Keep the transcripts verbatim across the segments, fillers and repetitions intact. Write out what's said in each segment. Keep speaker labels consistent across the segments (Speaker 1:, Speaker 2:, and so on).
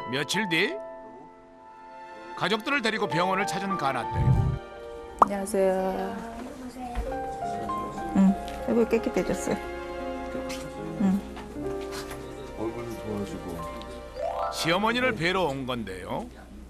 Speaker 1: 며칠 뒤 가족들을 데리고 병원을 찾은 가나떼.
Speaker 2: 안녕하세요. 응, 얼굴 깨끗해졌어요. 응.
Speaker 3: 얼굴도 좋아지고.
Speaker 1: 시어머니를 뵈러 온 건데요.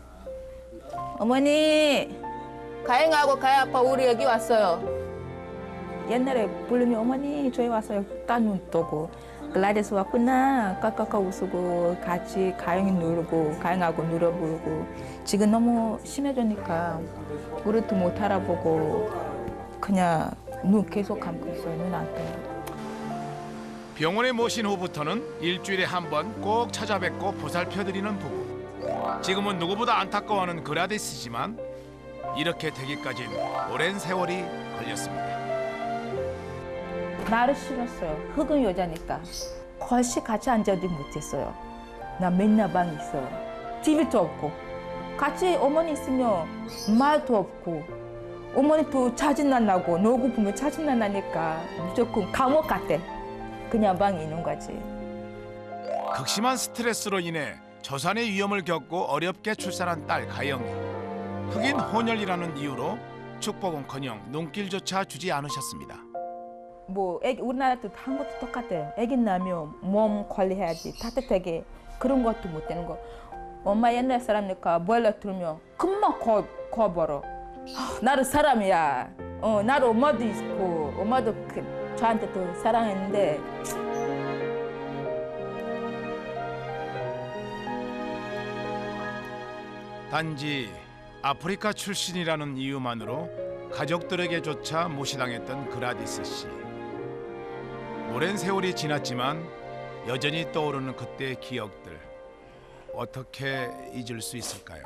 Speaker 2: 어머니, 가영하고 가영 아빠 우리 여기 왔어요. 옛날에 부르면 어머니 저희 왔어요. 딱 눈 뜨고 글라디스 왔구나 까까까 웃고 같이 가영이 누르고 가영하고 누려 부르고 지금 너무 심해지니까 우리도 못 알아보고 그냥 눈 계속 감고 있어요. 눈 안 떠요.
Speaker 1: 병원에 모신 후부터는 일주일에 한 번 꼭 찾아뵙고 보살펴드리는 부부. 지금은 누구보다 안타까워하는 그라디스지만 이렇게 되기까진 오랜 세월이 걸렸습니다.
Speaker 2: 나를 싫었어요. 흑은 여자니까. 거실 같이 앉아도 못했어요. 나 맨날 방에 있어요. 티비도 없고. 같이 어머니 있으면 말도 없고. 어머니도 짜증난 나고 놀고 보면 짜증난 나니까 무조건 감옥 같아. 그냥 방에 있는 거지.
Speaker 1: 극심한 스트레스로 인해 저산의 위험을 겪고 어렵게 출산한 딸 가영이. 흑인 혼혈이라는 이유로 축복은커녕 눈길조차 주지 않으셨습니다.
Speaker 2: 뭐 애기 우리나라도 한 것도 똑같아요. 애기 낳으면 몸 관리해야지 따뜻하게 그런 것도 못 되는 거. 엄마 옛날 사람이니까 보일러 틀면 금방 거 거버려. 아, 나도 사람이야. 어 나도 엄마도 있고 엄마도 그, 저한테 또 사랑했는데.
Speaker 1: 단지 아프리카 출신이라는 이유만으로 가족들에게조차 무시당했던 그라디스 씨. 오랜 세월이 지났지만 여전히 떠오르는 그때의 기억들. 어떻게 잊을 수 있을까요?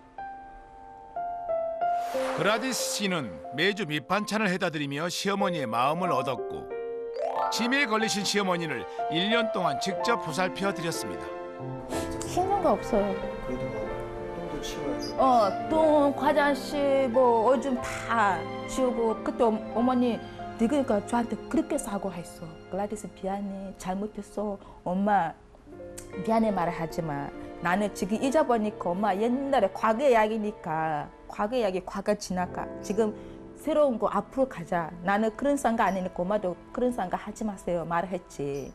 Speaker 1: 그라디스 씨는 매주 밑반찬을 해다 드리며 시어머니의 마음을 얻었고 치매에 걸리신 시어머니를 일 년 동안 직접 보살펴 드렸습니다.
Speaker 2: 힘든 거 없어요.
Speaker 3: 그래도 막 똥도 치워야 돼.
Speaker 2: 어, 똥, 화장실, 뭐 오줌 다 치우고 그때 어- 어머니 늙으니까 저한테 그렇게 사과했어. 글라디스 미안해, 잘못했어. 엄마 미안해 말하지 마. 나는 지금 잊어버리니까 엄마 옛날에 과거 이야기니까 과거 이야기 과거 지나가. 지금 새로운 거 앞으로 가자. 나는 그런 생각 아니니까 엄마도 그런 생각 하지 마세요 말했지.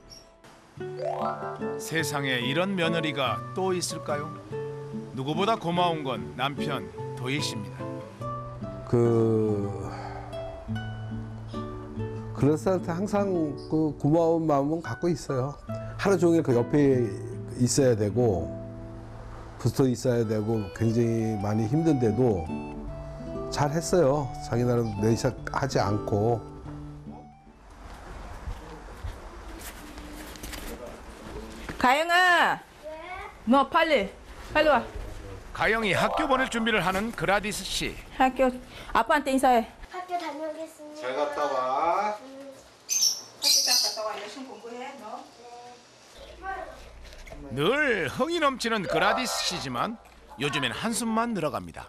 Speaker 1: 세상에 이런 며느리가 또 있을까요? 누구보다 고마운 건 남편 도희 씨입니다.
Speaker 4: 그 그럴싸한테 항상 그 고마운 마음은 갖고 있어요. 하루 종일 그 옆에 있어야 되고 붙어 있어야 되고 굉장히 많이 힘든데도 잘 했어요. 자기 나름 내샷 하지 않고.
Speaker 2: 가영아, 너 빨리 빨리 와.
Speaker 1: 가영이 학교 보낼 준비를 하는 그라디스 씨.
Speaker 2: 학교 아빠한테 인사해.
Speaker 5: 학교 다녀오겠습니다.
Speaker 3: 잘 갔다 와.
Speaker 2: 학교 갔다 와. 열심히 공부해 너.
Speaker 1: 늘 흥이 넘치는 그라디스 씨지만 요즘엔 한숨만 늘어갑니다.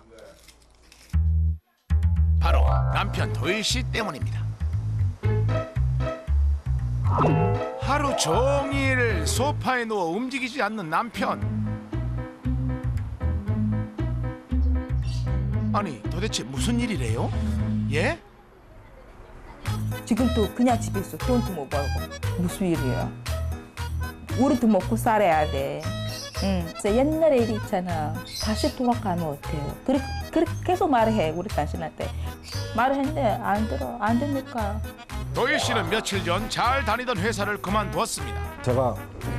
Speaker 1: 바로 남편 도희 씨 때문입니다. 하루 종일 소파에 누워 움직이지 않는 남편. 아니 도대체 무슨 일이래요? 예?
Speaker 2: 지금도 그냥 집에 있어. 돈도 못 벌고. 무슨 일이야? 우리도 먹고 살아야 돼. 응. 그래서 옛날에 일이 있잖아. 다시 돌아가면 어때요? 그렇게, 그렇게 계속 말해. 우리 당신한테. 말을 했는데 안 들어. 안 되니까.
Speaker 1: 도희 씨는 며칠 전 잘 다니던 회사를 그만두었습니다.
Speaker 4: 제가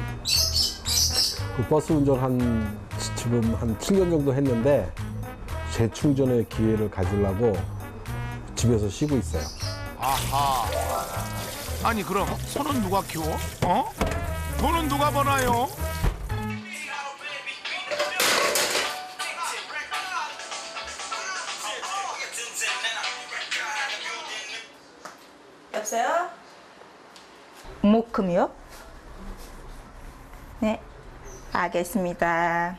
Speaker 4: 그 버스 운전 한 지금 한 칠 년 정도 했는데 재충전의 기회를 가지려고 집에서 쉬고 있어요.
Speaker 1: 아하. 아니 그럼 손은 누가 키워? 어? 돈은 누가 버나요?
Speaker 2: 여보세요? 목금이요? 네, 알겠습니다.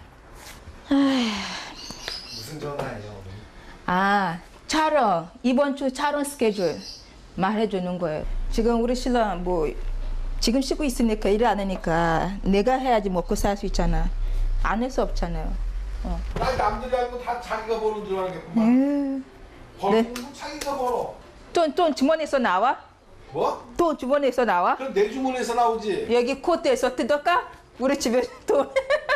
Speaker 3: 무슨 전화예요?
Speaker 2: 아, 촬영. 이번 주 촬영 스케줄 말해주는 거예요. 지금 우리 신랑 뭐 지금 쉬고 있으니까 일 안 하니까 내가 해야지 먹고 살 수 있잖아. 안 할 수 없잖아요.
Speaker 4: 나 남들이 알고 다 자기가 버는 줄 알겠구만.
Speaker 2: 음.
Speaker 4: 벌금 네. 자기가 벌어.
Speaker 2: 돈, 돈 주머니에서 나와?
Speaker 4: 뭐?
Speaker 2: 돈 주머니에서 나와?
Speaker 4: 그럼 내 주머니에서 나오지.
Speaker 2: 여기 코트에서 뜯을까? 우리 집에 돈.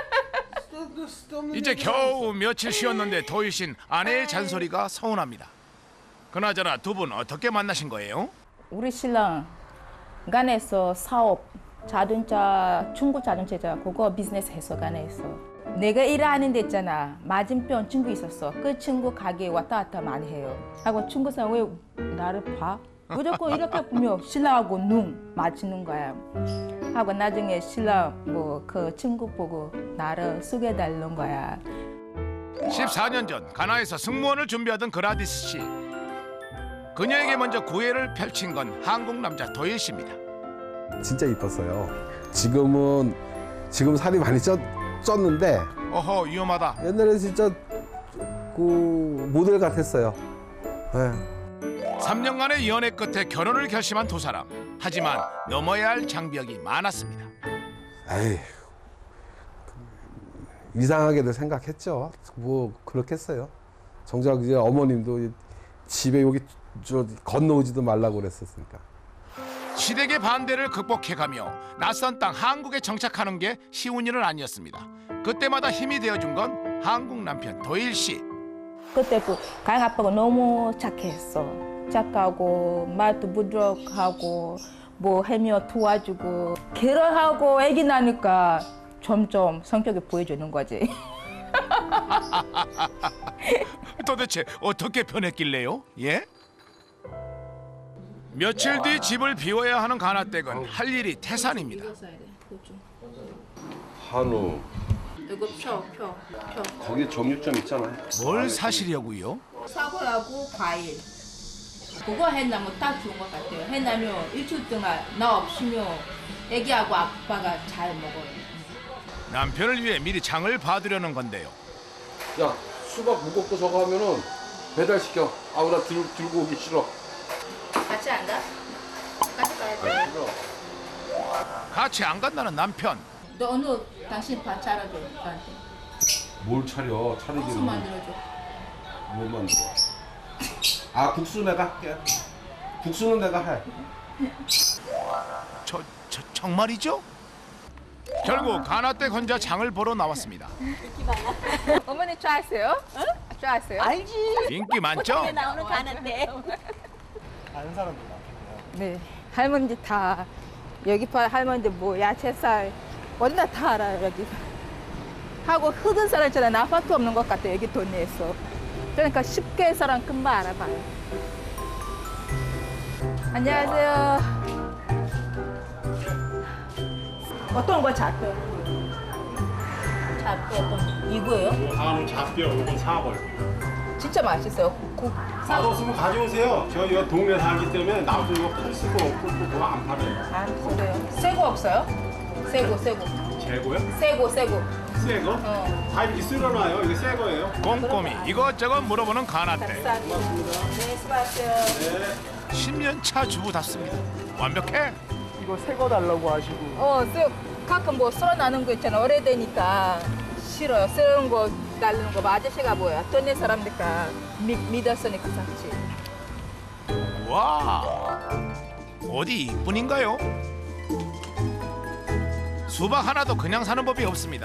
Speaker 1: 이제 겨우 며칠 쉬었는데 도희 씨는 아내의 잔소리가 서운합니다. 그나저나 두 분 어떻게 만나신 거예요?
Speaker 2: 우리 신랑 간에서 사업 자동차 중고 자동차 그거 비즈니스 했어 간에서. 내가 일하는 데 있잖아. 맞은편 친구 있었어. 그 친구 가게 왔다 갔다 많이 해요. 하고 친구 사람 왜 나를 봐? 무조건 이렇게 보면 신랑하고 눈 맞추는 거야. 하고 나중에 신랑 뭐 그 친구 보고 나를 소개해달라는 거야.
Speaker 1: 십사 년 전 가나에서 승무원을 준비하던 그라디스 씨. 그녀에게 먼저 구애를 펼친 건 한국 남자 도일 씨입니다.
Speaker 4: 진짜 이뻤어요. 지금은 지금 살이 많이 쪘, 쪘는데
Speaker 1: 어허 위험하다.
Speaker 4: 옛날에 진짜 그 모델 같았어요. 네.
Speaker 1: 삼 년간의 연애 끝에 결혼을 결심한 두 사람. 하지만 넘어야 할 장벽이 많았습니다.
Speaker 4: 에이, 이상하게도 생각했죠. 뭐 그렇겠어요. 정작 이제 어머님도 집에 여기 저 건너오지도 말라고 그랬었으니까.
Speaker 1: 시댁의 반대를 극복해가며 낯선 땅 한국에 정착하는 게 쉬운 일은 아니었습니다. 그때마다 힘이 되어준 건 한국 남편 도일 씨.
Speaker 2: 그때 그 가영 아빠가 너무 착했어. 착하고 말도 부드럽고 뭐 해며 도와주고 결혼하고 아기 나니까 점점 성격이 보여주는 거지.
Speaker 1: 도대체 어떻게 변했길래요? 예? 며칠 뒤 집을 비워야 하는 가나댁은 할 일이 태산입니다.
Speaker 5: 한우
Speaker 2: 이거 펴, 펴, 펴.
Speaker 5: 거기 정육점 있잖아요.
Speaker 1: 뭘 사시려고요?
Speaker 2: 사과하고 과일. 그거 해나면 딱 좋은 것 같아요. 해나면 일주일 동안 나 없으면 애기하고 아빠가 잘 먹어요.
Speaker 1: 남편을 위해 미리 장을 봐두려는 건데요.
Speaker 4: 야 수박 무겁고 저거 하면은 배달시켜. 아우 나 들, 들고 오기 싫어.
Speaker 2: 같이 안 가? 같이 가야 돼.
Speaker 1: 같이 안 간다는 남편.
Speaker 2: 너 오늘 당신 밥 차려줘, 나한테.
Speaker 4: 뭘 차려?
Speaker 2: 국수
Speaker 4: 차리기는
Speaker 2: 만들어줘.
Speaker 4: 뭘 만들어? 아 국수 내가 할게. 국수는 내가 해.
Speaker 1: 저, 저 정말이죠? 결국 가나댁 혼자 장을 보러 나왔습니다.
Speaker 2: 어머니 좋아하세요? 응? 좋아하세요?
Speaker 6: 알지.
Speaker 1: 인기 많죠?
Speaker 6: 나오는 가는데.
Speaker 3: 아는 사람도 많겠네요.
Speaker 2: 네, 할머니들 다 여기 봐 할머니들 뭐 야채살 어디나 다 알아요 여기. 하고 흑은 사람 있잖아요. 아파트 없는 것 같아 여기 동네에서. 그러니까 쉽게 사람 금방 알아봐요. 안녕하세요. 어떤 거 잡혀? 잡혀 어떤 거? 이거예요?
Speaker 7: 한우 잡뼈, 요건 사골.
Speaker 2: 진짜 맛있어요. 고,
Speaker 7: 맛없으면 가져오세요. 저 이 동네 살기 때문에 나도 이거 팔 수가 없고 그거 안 팔아요.
Speaker 2: 안 그래요. 새거 없어요? 새거 새거
Speaker 7: 재고요?
Speaker 2: 새거 새거.
Speaker 7: 새 거?
Speaker 2: 어.
Speaker 7: 다 이렇게 쓸어놔요. 이게 새 거예요.
Speaker 1: 꼼꼼히 이것저것 물어보는 가나댁.
Speaker 2: 감사합니다. 네, 수고하세요.
Speaker 1: 십 년 차 주부답습니다. 완벽해.
Speaker 3: 이거 새 거 달라고 하시고
Speaker 2: 어, 쎄, 가끔 뭐 썰어나는 거 있잖아. 오래되니까 싫어요. 썰은 거 날리는 거. 뭐 아저씨가 뭐야. 동네 사람니까 믿, 믿었으니까 샀지.
Speaker 1: 와, 어디 이뿐인가요? 수박 하나도 그냥 사는 법이 없습니다.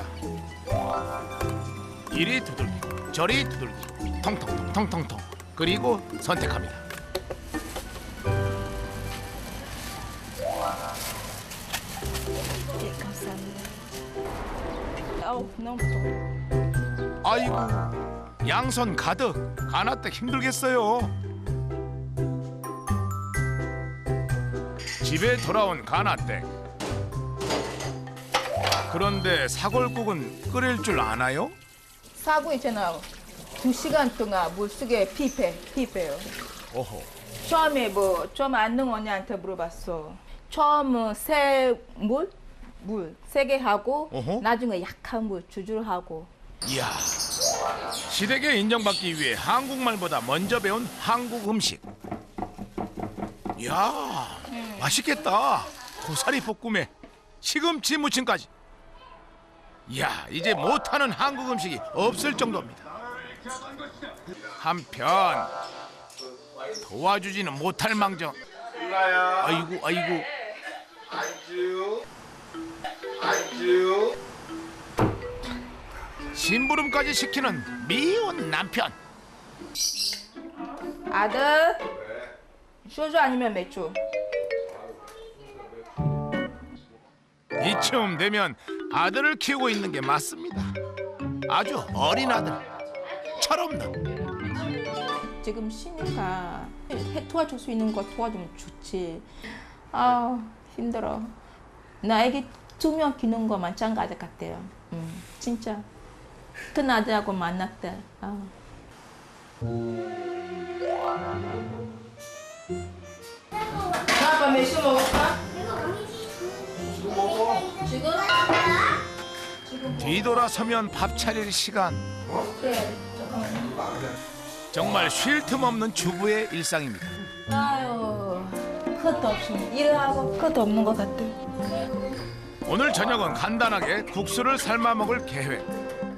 Speaker 1: 이리 두들기, 저리 두들기, 통통통 통통통. 그리고 선택합니다.
Speaker 2: 네, 감사합니다. 아우, 너무 무서워.
Speaker 1: 아이고, 양손 가득. 가나댁 힘들겠어요. 집에 돌아온 가나댁. 그런데 사골국은 끓일 줄 아나요?
Speaker 2: 사고 있잖아. 두 시간 동안 물속에 피폐, 피폐요.
Speaker 1: 오호.
Speaker 2: 처음에 뭐, 처음 안능 언니한테 물어봤어. 처음은 새 물? 물 세 개 하고,
Speaker 1: 어허.
Speaker 2: 나중에 약한 물 주줄 하고.
Speaker 1: 이야, 시댁에 인정받기 위해 한국말보다 먼저 배운 한국 음식. 이야, 맛있겠다. 고사리 볶음에 시금치 무침까지. 이야, 이제 못하는 한국 음식이 없을 정도입니다. 한편 도와주지는 못할 망정. 아이고 아이고. 심부름까지 시키는 미운 남편.
Speaker 2: 아들, 소주 아니면 맥주?
Speaker 1: 이쯤 되면 아들을 키우고 있는 게 맞습니다. 아주 어린 아들처럼.
Speaker 2: 지금 쉬니까 해 도와줄 수 있는 거 도와주면 좋지. 아 힘들어. 나에게 두 명 키우는 거 마찬가지 같아요. 음, 진짜 큰 아들하고 만났대. 아. 아빠 맥주 먹을까? 지금?
Speaker 1: 뒤돌아서면 밥 차릴 시간.
Speaker 2: 네.
Speaker 1: 정말 쉴 틈 없는 주부의 일상입니다.
Speaker 2: 아유, 끝도 없이 일하고 끝도 없는 것 같아.
Speaker 1: 오늘 저녁은 간단하게 국수를 삶아 먹을 계획.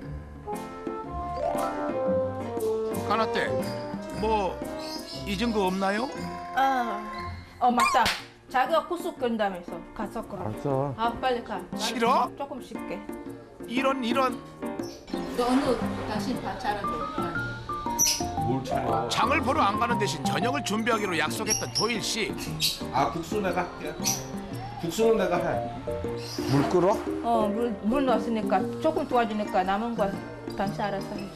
Speaker 1: 까나떼, 뭐 잊은 거 없나요?
Speaker 2: 아, 어 맞다. 자기가 국수 끓인다면서 가서 끓여.
Speaker 4: 알았어.
Speaker 2: 아 빨리 가. 나는
Speaker 1: 싫어?
Speaker 2: 조금 쉴게.
Speaker 1: 이런 이런
Speaker 2: 너는 당신 다 차려줘.
Speaker 5: 뭘 차려?
Speaker 1: 장을 보러 안 가는 대신 저녁을 준비하기로 약속했던 도일 씨.
Speaker 5: 아 국수 내가 할게. 국수는 내가 해.
Speaker 4: 물 끓어?
Speaker 2: 어물 물 넣었으니까 조금 도와주니까 남은 거 당신 알아서 해.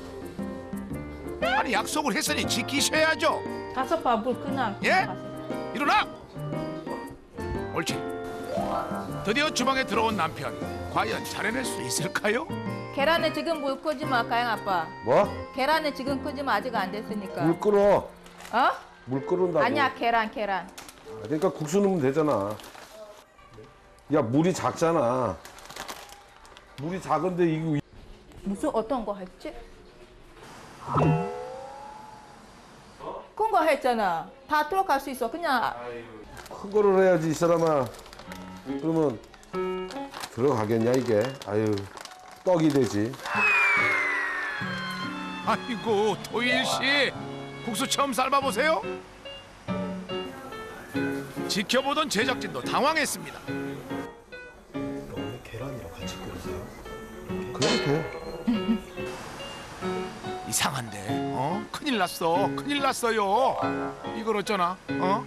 Speaker 1: 아니 약속을 했으니 지키셔야죠.
Speaker 2: 가서 봐물 끄나.
Speaker 1: 예?
Speaker 2: 가서.
Speaker 1: 일어나! 옳지. 드디어 주방에 들어온 남편. 과연 잘해낼 수 있을까요?
Speaker 2: 계란에 지금 물 끄지 마, 가영 아빠.
Speaker 4: 뭐?
Speaker 2: 계란에 지금 끄지 마, 아직 안 됐으니까.
Speaker 4: 물 끓어.
Speaker 2: 어?
Speaker 4: 물 끓는다고.
Speaker 2: 아니야, 계란, 계란.
Speaker 4: 그러니까 국수 넣으면 되잖아. 야, 물이 작잖아. 물이 작은데 이거
Speaker 2: 무슨 어떤 거 했지? 큰 거 했잖아. 다 들어갈 수 있어. 그냥
Speaker 4: 큰 거를 해야지 이 사람아. 그러면 들어가겠냐 이게? 아유, 떡이 되지.
Speaker 1: 아이고 도일 씨, 국수 처음 삶아보세요. 지켜보던 제작진도 당황했습니다.
Speaker 3: 오늘 계란이랑 같이 끓이세요?
Speaker 4: 그래도 돼.
Speaker 1: 이상한데, 어? 큰일 났어, 큰일 났어요. 이걸 어쩌나, 어?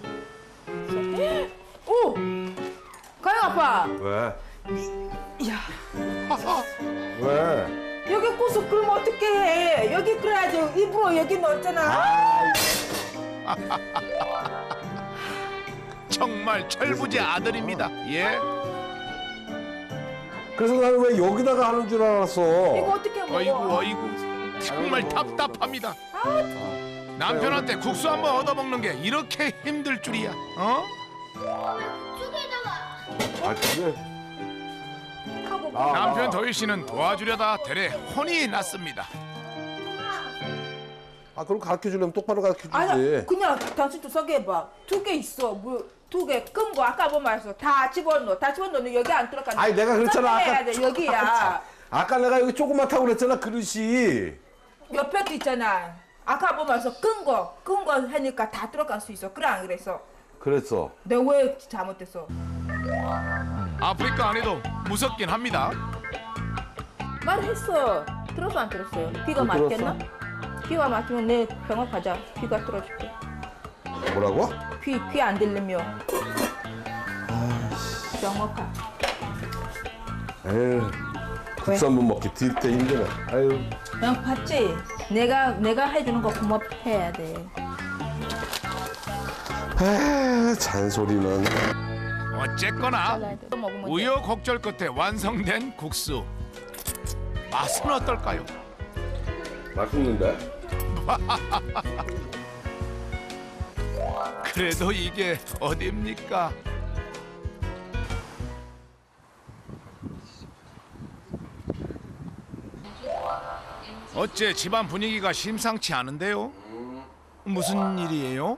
Speaker 2: 오! 가영 아빠.
Speaker 4: 왜?
Speaker 2: 야,
Speaker 1: 하하,
Speaker 4: 왜?
Speaker 2: 여기 국수 끓으면 어떻게 해? 여기 끓여야지. 일부러 여기 넣었잖아.
Speaker 1: 정말 철부지 아들입니다. 예.
Speaker 4: 그래서 나는 왜 여기다가 하는 줄 알았어.
Speaker 2: 이거 어떻게 먹어?
Speaker 1: 어이구 어이구 정말 답답합니다. 남편한테 국수 한번 얻어먹는 게 이렇게 힘들 줄이야. 어?
Speaker 4: 아, 그래?
Speaker 2: 하고
Speaker 4: 아,
Speaker 1: 남편 도일 씨는 도와주려다 대래 혼이 났습니다.
Speaker 4: 아, 그럼 가르쳐 주려면 똑바로 가르쳐 주지.
Speaker 2: 아니 그냥 당신도 소개해봐. 두 개 있어. 뭐 두 개 끈 거 아까 뭐 말했어. 다 집어넣어. 다 집어넣으면 여기 안 들어가.
Speaker 4: 아니, 내가 그랬잖아. 아까
Speaker 2: 해야 돼. 여기야.
Speaker 4: 아까 내가 여기 조그맣다고 그랬잖아, 그릇이.
Speaker 2: 옆에도 있잖아. 아까 뭐 말했어. 끈 거. 끈 거 하니까 다 들어갈 수 있어. 그래 안 그랬어?
Speaker 4: 그랬어.
Speaker 2: 내가 왜 잘못했어?
Speaker 1: 아프리카 안에도 무섭긴 합니다.
Speaker 2: 말했어. 들었어 안 들었어요? 귀가
Speaker 4: 못
Speaker 2: 막혔나? 귀가 막히면 내 병원 가자. 귀가 뚫어줄게.
Speaker 4: 뭐라고?
Speaker 2: 귀 귀 안 들리면 병원 가.
Speaker 4: 에휴, 국수 한 번 먹기 되게 힘드네. 아유.
Speaker 2: 그냥 봤지? 내가 내가 해주는 거 고맙해야 돼.
Speaker 4: 에휴, 잔소리는.
Speaker 1: 어쨌거나
Speaker 2: 또 먹으면 돼.
Speaker 1: 우여곡절 끝에 완성된 국수. 맛은 어떨까요?
Speaker 5: 맛있는데?
Speaker 1: 그래도 이게 어딥니까? 어째 집안 분위기가 심상치 않은데요? 무슨 일이에요?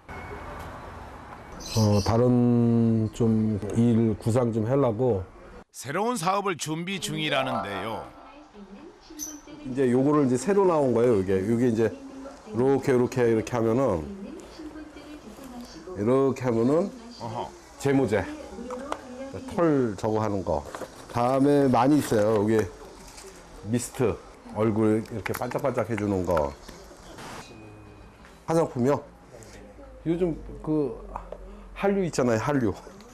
Speaker 4: 어, 다른 좀 일 구상 좀 하려고.
Speaker 1: 새로운 사업을 준비 중이라는데요.
Speaker 4: 이제 요거를 이제 새로 나온 거예요. 이게 이게 이제 이렇게 이렇게 이렇게 하면은 이렇게 하면은
Speaker 1: 어허.
Speaker 4: 제모제 털 저거 하는 거. 다음에 많이 있어요. 여기 미스트 얼굴 이렇게 반짝반짝 해주는 거. 화장품이요. 요즘 그 한류 있잖아요. 한류.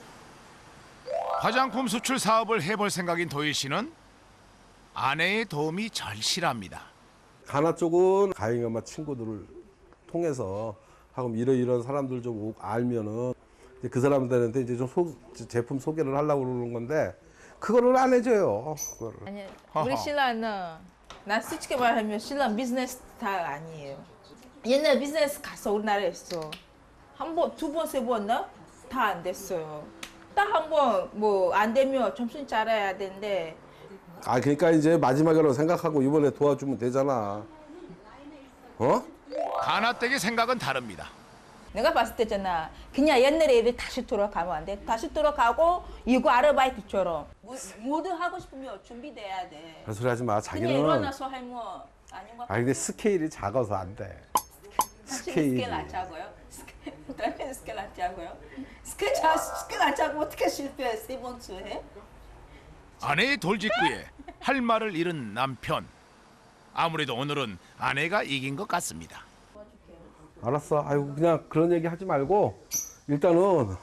Speaker 1: 화장품 수출 사업을 해볼 생각인 도일 씨는 아내의 도움이 절실합니다.
Speaker 4: 가나 쪽은 가영이 엄마 친구들을 통해서 하고 이런 이런 사람들 좀 알면은 이제 그 사람들한테 이제 좀 소, 제품 소개를 하려고 그러는 건데 그거를 안 해줘요. 그거를.
Speaker 2: 아니,
Speaker 1: 허허.
Speaker 2: 우리 신랑은 난 솔직히 말하면 신랑 비즈니스 스타일 아니에요. 옛날 비즈니스 가서 우리나라에 있어. 한 번, 두 번, 세 번 다 안 됐어요. 딱 한 번 뭐 안 되면 정신 차려야 되는데
Speaker 4: 아 그러니까 이제 마지막으로 생각하고 이번에 도와주면 되잖아. 어?
Speaker 1: 가나댁의 생각은 다릅니다.
Speaker 2: 내가 봤을 때잖아. 그냥 옛날에 애들 다시 돌아가면 안 돼. 다시 돌아가고 이거 아르바이트처럼 뭐, 뭐든 하고 싶으면 준비돼야 돼.
Speaker 4: 그런 소리 하지 마.
Speaker 2: 그냥
Speaker 4: 자기는.
Speaker 2: 일어나서 하면 아닌 것
Speaker 4: 아 근데 스케일이 작아서 안 돼.
Speaker 2: 스케일 스케일 안 짜고요? 스케일 다른 스케일 안 짜고요? 스케일 짜 스케일 안 짜고 어떻게 실패해? 세 번째 해?
Speaker 1: 아내의 돌직구에 할 말을 잃은 남편. 아무래도 오늘은 아내가 이긴 것 같습니다.
Speaker 4: 알았어. 아이고 그냥 그런 얘기 하지 말고 일단은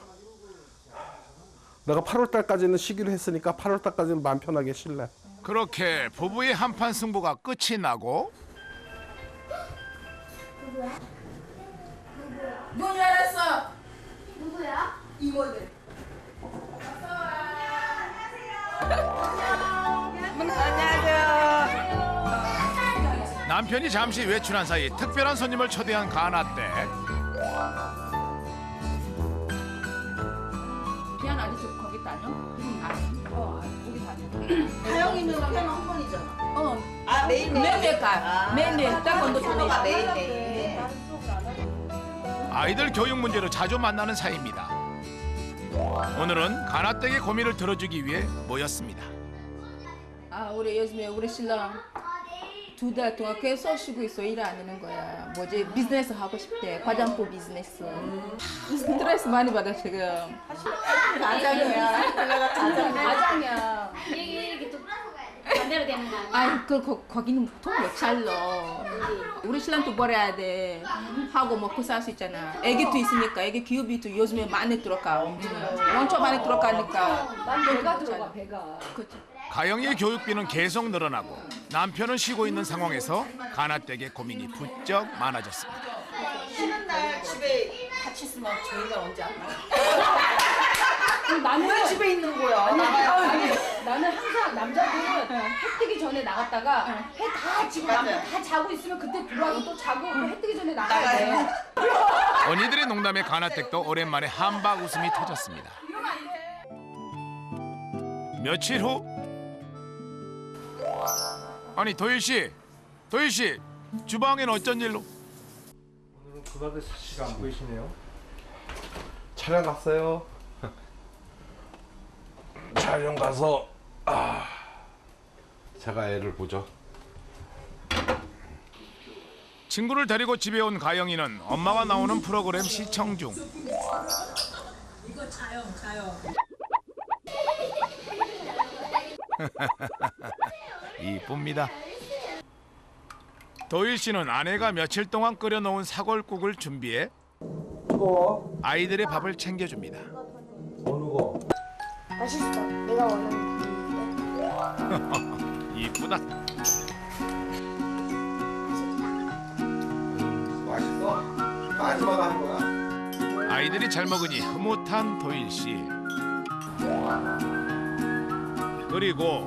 Speaker 4: 내가 팔월 달까지는 쉬기로 했으니까 팔월 달까지는 마음 편하게 쉴래.
Speaker 1: 그렇게 부부의 한판 승부가 끝이 나고
Speaker 2: 문 열었어.
Speaker 6: 누구야?
Speaker 2: 이모들. 안녕하세요.
Speaker 1: 남편이 잠시 외출한 사이 특별한 손님을 초대한 가나댁.
Speaker 2: 피아노 아저씨 거기 다녀? 아, 어, 거기 다녀.
Speaker 6: 다영이는 피아노 한 번이잖아.
Speaker 2: 어,
Speaker 6: 아 매일
Speaker 2: 매일매일 가. 매일매일 딱 건도
Speaker 6: 피아노가
Speaker 2: 보내.
Speaker 6: 매일 매일.
Speaker 1: 아이들 교육 문제로 자주 만나는 사이입니다. 오늘은 가나댁의 고민을 들어주기 위해 모였습니다.
Speaker 2: 아, 우리 요즘에 우리 신랑 두 달 동안 계속 쉬고 있어. 일 안 하는 거야. 뭐지? 비즈니스 하고 싶대. 화장품 비즈니스. 스트레스 많이 받아 지금.
Speaker 6: 가장이야.
Speaker 8: 맞아요. 이게 이게 또 반대로 되는 거 아니야?
Speaker 2: 아이 그 거, 거기는 돈못 잘러. 우리 신랑도 벌어야 돼. 하고 먹고 살 수 있잖아. 애기도 있으니까 애기 기업이도 요즘에 많이 들어가. 엄청 엄청 많이 들어가니까.
Speaker 8: 난 배가 들어가 배가.
Speaker 2: 그렇죠.
Speaker 1: 가영이의 교육비는 계속 늘어나고 남편은 쉬고 있는 상황에서 가나댁의 고민이 부쩍 많아졌습니다.
Speaker 6: 쉬는 날 집에 같이 있으면 저희가 언제 안 나?
Speaker 8: 나는
Speaker 6: 왜 집에 있는 거야?
Speaker 8: 아니,
Speaker 6: 나가야지.
Speaker 8: 아니, 나는 항상 남자들은 해 뜨기 전에 나갔다가 해 다 지고
Speaker 6: 맞아요.
Speaker 8: 남들 다 자고 있으면 그때 들어와서 또 자고 또 해 뜨기 전에 나가야 돼.
Speaker 6: 나가요.
Speaker 1: 언니들의 농담에 가나댁도 오랜만에 한박 웃음이 터졌습니다. 며칠 후 아니 도일 씨, 도일 씨 주방엔 어쩐 일로?
Speaker 3: 오늘은 그다지 사시가 안 보이시네요.
Speaker 4: 촬영 갔어요. 촬영 가서 아 제가 애를 보죠.
Speaker 1: 친구를 데리고 집에 온 가영이는 엄마가 나오는 프로그램 시청 중.
Speaker 6: 이거 자요, 자요.
Speaker 1: 이쁩니다. 도일 씨는 아내가 며칠 동안 끓여놓은 사골국을 준비해
Speaker 4: 뜨거워?
Speaker 1: 아이들의 밥을 챙겨줍니다.
Speaker 4: 어느 거?
Speaker 6: 맛있어. 내가 원하는
Speaker 1: 이쁘다.
Speaker 4: 맛있어? 마지막 하는 거야?
Speaker 1: 아이들이 잘 먹으니 흐뭇한 도일 씨. 그리고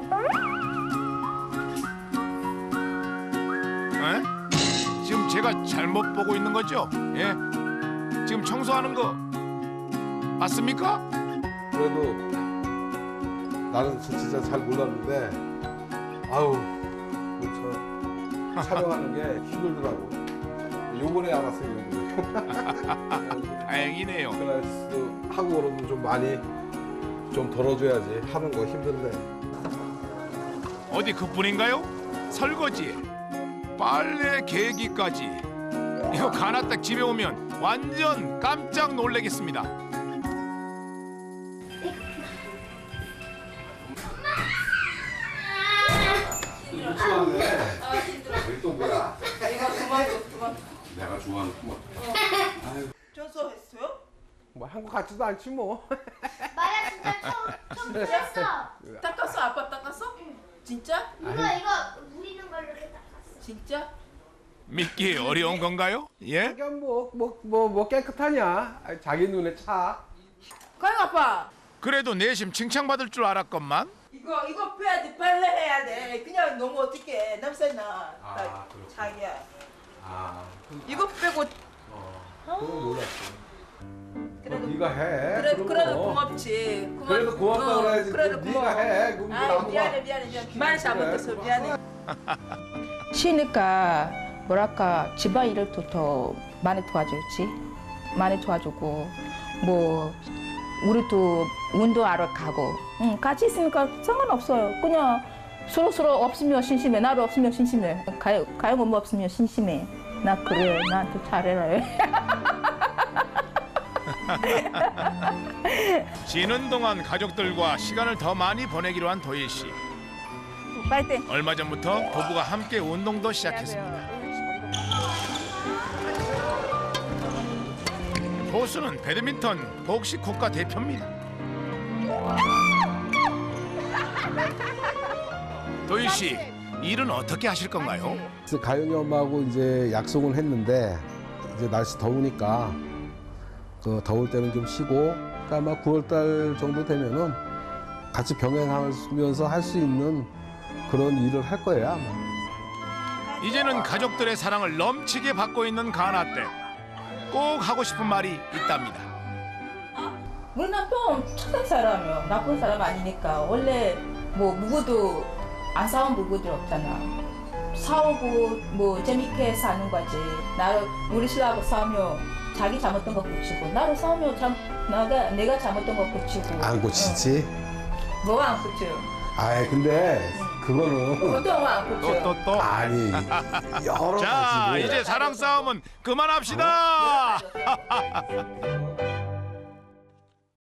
Speaker 1: 에? 지금 제가 잘못 보고 있는 거죠? 예? 지금 청소하는 거 맞습니까?
Speaker 4: 그래도 나는 진짜 잘 몰랐는데 아우 저 촬영하는 게 힘들더라고. 요번에 알았어요. 요번에.
Speaker 1: 다행이네요.
Speaker 4: 그래서 하고 그러면 좀 많이 좀 덜어줘야지. 하는 거 힘든데.
Speaker 1: 어디 그뿐인가요? 설거지, 빨래 개기까지. 이거 가나댁 집에 오면 완전 깜짝 놀라겠습니다.
Speaker 4: 유치원에 또 뭐야?
Speaker 6: 이거 그만 줘, 그만.
Speaker 4: 내가 좋아하는 토마토.
Speaker 6: 전소했어요?
Speaker 4: 뭐 한국 같지도 않지 뭐.
Speaker 9: 마야 진짜 처음 처음 뜯었어.
Speaker 6: 닦았어? 아빠 닦았어? 진짜?
Speaker 9: 이거 이거 물 있는 걸로 이렇게 닦았어.
Speaker 6: 진짜?
Speaker 1: 믿기 어려운 건가요? 예?
Speaker 4: 자기야 뭐뭐 뭐 뭐 깨끗하냐? 아이, 자기 눈에 차.
Speaker 6: 가영 아빠.
Speaker 1: 그래도 내심 칭찬받을 줄 알았건만
Speaker 6: 이거 이거 빼야 돼, 빨래 해야 돼. 그냥 너무 어떻게 냄새나.
Speaker 4: 아,
Speaker 6: 나
Speaker 4: 그렇구나.
Speaker 6: 자기야.
Speaker 4: 아,
Speaker 6: 이거 빼고
Speaker 4: 그건 몰랐어.
Speaker 6: 그래도-
Speaker 4: 어, 네가 해.
Speaker 6: 그래
Speaker 4: 그런
Speaker 6: 그래도
Speaker 4: 거.
Speaker 6: 고맙지. 고맙-
Speaker 4: 그래도 고맙다
Speaker 6: 어,
Speaker 4: 그래야지.
Speaker 6: 그래도
Speaker 4: 네가
Speaker 6: 고마워.
Speaker 4: 해. 그럼
Speaker 6: 아이
Speaker 4: 나무가-
Speaker 6: 미안해 미안해 미안해. 말 잘못했어 미안해.
Speaker 2: 쉬니까 뭐랄까 집안일을 또 더 많이 도와줬지. 많이 도와주고 뭐 우리도 운동하러 가고 응, 같이 있으니까 상관없어요. 그냥 서로 서로 없으면 심심해. 나도 없으면 심심해. 가요 가요 엄마 없으면 심심해. 나 그래 나한테 잘해라 해.
Speaker 1: 쉬는 동안 가족들과 시간을 더 많이 보내기로 한 도희 씨.
Speaker 2: 파이팅.
Speaker 1: 얼마 전부터 부부가 함께 운동도 시작했습니다. 보수는 배드민턴 복식 국가 대표입니다. 도희 씨, 일은 어떻게 하실 건가요?
Speaker 4: 그래서 가영이 엄마하고 이제 약속을 했는데 이제 날씨 더우니까 그 더울 때는 좀 쉬고 그러니까 아마 구월 달 정도 되면은 같이 병행하면서 할 수 있는 그런 일을 할 거예요 아마.
Speaker 1: 이제는 가족들의 사랑을 넘치게 받고 있는 가나댁. 꼭 하고 싶은 말이 있답니다.
Speaker 2: 우리 남편 착한 사람이요. 나쁜 사람 아니니까. 원래 뭐 누구도 안 싸운 부부들 없잖아. 싸우고 뭐 재밌게 사는 거지. 나를 우리 신랑하고 싸우면 자기 잘못된 거 고치고 나로 싸우면 참 나가 내가 잘못된 거 고치고.
Speaker 4: 안 고치지?
Speaker 2: 응. 뭐가 안 고쳐?
Speaker 4: 아이 근데 그거는
Speaker 2: 보통 안 고쳐.
Speaker 1: 또 또 또.
Speaker 4: 아니 여러
Speaker 1: 자,
Speaker 4: 가지로
Speaker 1: 이제 사랑 싸움은 그만합시다.
Speaker 2: 어?